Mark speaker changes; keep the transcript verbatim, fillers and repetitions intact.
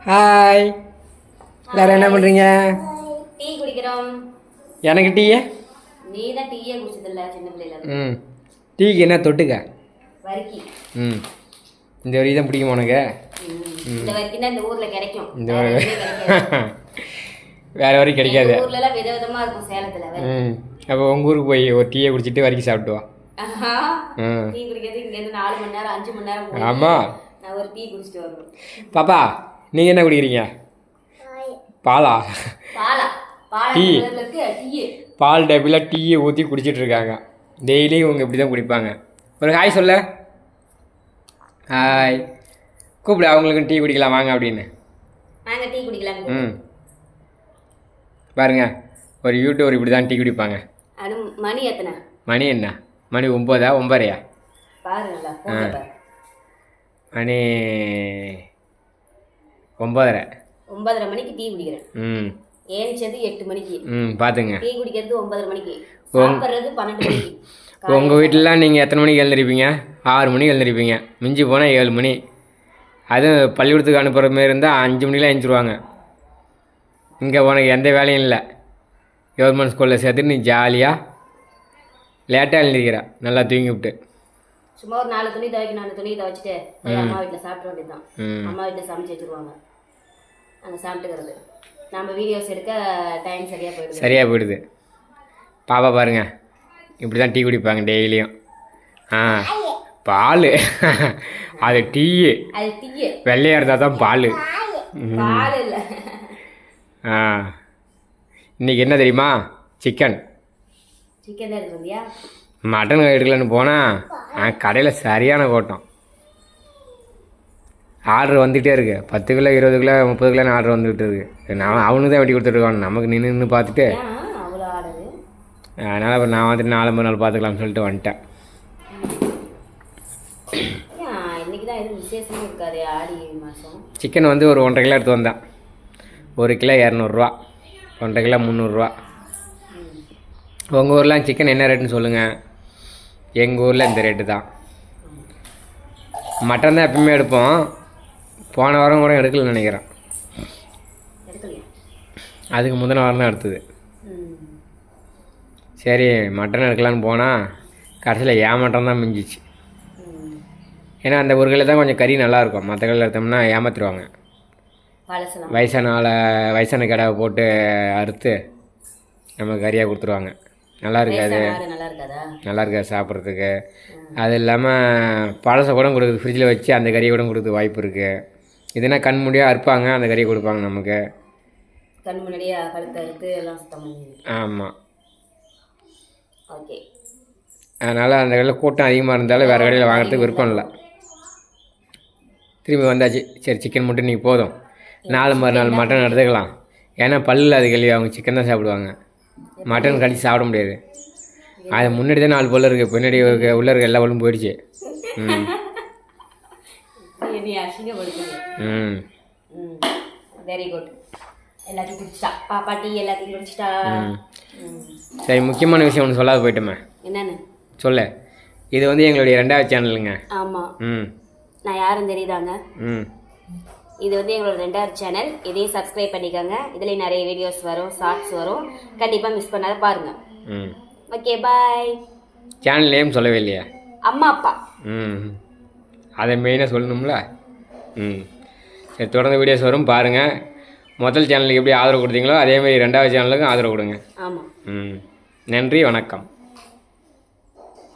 Speaker 1: Hi, எல்லாரும் என்ன பண்ணுறீங்க?
Speaker 2: டீ குடிக்கிறோம்.
Speaker 1: எனக்கு டீயே?
Speaker 2: நீ தான் டீயே குடிச்சதில்ல சின்ன பிள்ளைல.
Speaker 1: ம், டீக்கு என்ன தொட்டுக்க?
Speaker 2: வரிக்கி.
Speaker 1: ம், இந்த வரி தான் பிடிக்குமா உனக்கு?
Speaker 2: இந்த வரிக்கி தான் இந்த ஊரில் கிடைக்கும்.
Speaker 1: இந்த வேறு வரைக்கும் கிடைக்காது.
Speaker 2: ஊர்லலாம் விதவிதமாக இருக்கும் சேலத்தில்.
Speaker 1: ம், அப்போ உங்கள் ஊருக்கு போய் ஒரு டீயை குடிச்சிட்டு வரைக்கும் சாப்பிட்டு வா.
Speaker 2: டீ குடிக்கிறது இங்கேருந்து நாலு மணி நேரம் அஞ்சு மணி நேரம்.
Speaker 1: ஆமாம்,
Speaker 2: நான் ஒரு டீ குடிச்சிட்டு வருவேன்.
Speaker 1: பாப்பா நீங்கள் என்ன குடிக்கிறீங்க? பாலா?
Speaker 2: பாலா
Speaker 1: டீ.
Speaker 2: டீ
Speaker 1: பால் டப்பில் டீயை ஊற்றி குடிச்சிட்டு இருக்காங்க. டெய்லி இவங்க இப்படி தான் குடிப்பாங்க. ஒரு ஹாய் சொல்ல. ஹாய் கூப்பிடு, அவங்களுக்கு டீ குடிக்கலாம் வாங்க அப்படின்னு.
Speaker 2: நாங்கள் டீ குடிக்கலாம்.
Speaker 1: ம், பாருங்க ஒரு யூடியூபர் இப்படி தான் டீ குடிப்பாங்க.
Speaker 2: அது மணி எத்தனை?
Speaker 1: மணி என்ன மணி ஒம்போதா ஒம்பரையா?
Speaker 2: பாருங்களா
Speaker 1: மணி ஒம்பதரை.
Speaker 2: ஒன்பதரை மணிக்கு டீ குடிக்கிறேன்.
Speaker 1: ம்,
Speaker 2: ஏனிச்சது எட்டு மணிக்கு.
Speaker 1: ம், பார்த்துங்க.
Speaker 2: டீ குடிக்கிறது ஒன்பதரை மணிக்கு, சாப்பிட்றது பன்னெண்டு மணிக்கு.
Speaker 1: உங்கள் வீட்டிலலாம் நீங்கள் எத்தனை மணிக்கு எழுந்திருப்பீங்க? ஆறு மணிக்கு எழுந்திருப்பீங்க, மிஞ்சி போனால் ஏழு மணி. அதுவும் பள்ளிக்கூடத்துக்கு அனுப்புகிற மாரி இருந்தால் அஞ்சு மணிக்கெலாம் எழுந்திருவாங்க. இங்கே உனக்கு எந்த வேலையும் இல்லை. கவர்மெண்ட் ஸ்கூலில் சேர்த்து நீ ஜாலியாக லேட்டாக எழுந்திருக்கிற, நல்லா தூங்கி விட்டு.
Speaker 2: சும்மா ஒரு நாலு துணி துவைக்கணும், நாலு துணி துவைச்சிட்டு அம்மா வீட்டில் சாப்பிட வேண்டியது தான். அம்மா வீட்டில் சமைச்சு வச்சுருவாங்க, அங்கே சாப்பிட்டுக்கிறது. நம்ம வீடியோஸ் எடுக்க டைம் சரியாக போயிடுது.
Speaker 1: சரியாக போயிடுது. பாப்பா பாருங்க இப்படி தான் டீ குடிப்பாங்க டெய்லியும். ஆ, பால் அது டீ.
Speaker 2: அது டீ
Speaker 1: வெள்ளையாக இருந்தால் தான் பால்.
Speaker 2: பால் இல்லை.
Speaker 1: ஆ, இன்றைக்கி என்ன தெரியுமா? சிக்கன்.
Speaker 2: சிக்கன் தான் எடுத்து வந்தியா?
Speaker 1: மட்டன் எடுக்கலன்னு போனால் கடையில் சரியான கூட்டம். ஆர்டர் வந்துகிட்டே இருக்குது. பத்து கிலோ இருபது கிலோ முப்பது கிலோன்னு ஆர்டர் வந்துக்கிட்டு இருக்குது. நான் அவனுக்கு தான் வெட்டி கொடுத்துருக்கான், நமக்கு நின்று நின்று பார்த்துட்டு.
Speaker 2: அவ்வளோ ஆர்டரு.
Speaker 1: அதனால் அப்புறம் நான் வந்துட்டு நாலு மணி நாள் பார்த்துக்கலாம்னு சொல்லிட்டு வந்துட்டேன்.
Speaker 2: இன்றைக்கி தான் எதுவும் விசேஷமும் இருக்காது, ஆடி மாதம்.
Speaker 1: சிக்கன் வந்து ஒரு ஒன்றரை கிலோ எடுத்து வந்தேன். ஒரு கிலோ இரநூறுவா, ஒன்றரை கிலோ முந்நூறுரூவா. உங்கள் ஊரில் சிக்கன் என்ன ரேட்டுன்னு சொல்லுங்கள். எங்கள் ஊரில் இந்த ரேட்டு தான். மட்டன் தான் எப்பவுமே எடுப்போம். போன வாரம் கூட எடுக்கலன்னு நினைக்கிறேன். அதுக்கு முந்தின வாரம் தான் எடுத்தது. சரி மட்டன் எடுக்கலான்னு போனால் கடைசியில் ஏமாட்டம் தான் மிஞ்சிச்சு. ஏன்னா அந்த ஒரு கிலோ தான் கொஞ்சம் கறி நல்லாயிருக்கும். மற்ற கிலோ எடுத்தோம்னா ஏமாற்றிடுவாங்க. வயசான ஆளை வயசான கடாவை போட்டு அறுத்து நம்ம கறியாக கொடுத்துருவாங்க. நல்லா இருக்காது, நல்லா இருக்காது சாப்பிட்றதுக்கு. அது இல்லாமல் பழசை கூட கொடுக்குது, ஃப்ரிட்ஜில் வச்சு அந்த கறியை கூட கொடுக்குறது வாய்ப்பு இருக்குது. இதுனா கண் முடியாக அறுப்பாங்க, அந்த கறியை கொடுப்பாங்க நமக்கு.
Speaker 2: கண் முன்னாடியே கழுத்தை அறுத்து எல்லாம் சுத்தம் பண்ணி. ஆமாம்,
Speaker 1: ஓகே. அதனால் அந்த கடையில் கூட்டம் அதிகமாக இருந்தாலும் வேறு கடையில் வாங்குறதுக்கு விருப்பம் இல்லை. திரும்பி வந்தாச்சு. சரி சிக்கன் மட்டும் நீங்கள் போதும், நாலு மறுநாள் மட்டன் எடுத்துக்கலாம். ஏன்னா பல்லில் அது கழுவி அவங்க சிக்கன் தான் சாப்பிடுவாங்க, மட்டன் கடிச்சு சாப்பிட முடியாது. அது முன்னாடி தான் நாலு பல்லு இருக்குது, பின்னாடி உள்ள இருக்க எல்லா பல்லும் போயிடுச்சு. ம் ம்
Speaker 2: வெரி குட். எல்லாத்தையும் குடிச்சிட்டா பாப்பா, டீ எல்லாத்தையும் குடிச்சிட்டா.
Speaker 1: சரி, முக்கியமான விஷயம் ஒன்று சொல்லாத போயிட்டோமே.
Speaker 2: என்னன்னு
Speaker 1: சொல்ல? இது வந்து எங்களுடைய ரெண்டாவது சேனலுங்க.
Speaker 2: ஆமாம்.
Speaker 1: ம்
Speaker 2: நான் யாரும் தெரியுதாங்க?
Speaker 1: ம்
Speaker 2: இது வந்து எங்களோட ரெண்டாவது சேனல். இதையும் சப்ஸ்கிரைப் பண்ணிக்கோங்க. இதில் நிறைய வீடியோஸ் வரும், ஷார்ட்ஸ் வரும். கண்டிப்பாக மிஸ் பண்ணாத பாருங்கள்.
Speaker 1: ம்
Speaker 2: ஓகே பாய்.
Speaker 1: சேனல் நேம் சொல்லவே இல்லையா?
Speaker 2: அம்மா அப்பா.
Speaker 1: ம் அதை மெயினாக சொல்லணும்ல. ம் சரி, தொடர்ந்து வீடியோஸ் வரும் பாருங்கள். முதல் சேனலுக்கு எப்படி ஆதரவு கொடுத்தீங்களோ அதேமாதிரி ரெண்டாவது சேனலுக்கும் ஆதரவு கொடுங்க.
Speaker 2: ஆமாம்.
Speaker 1: ம் நன்றி, வணக்கம்.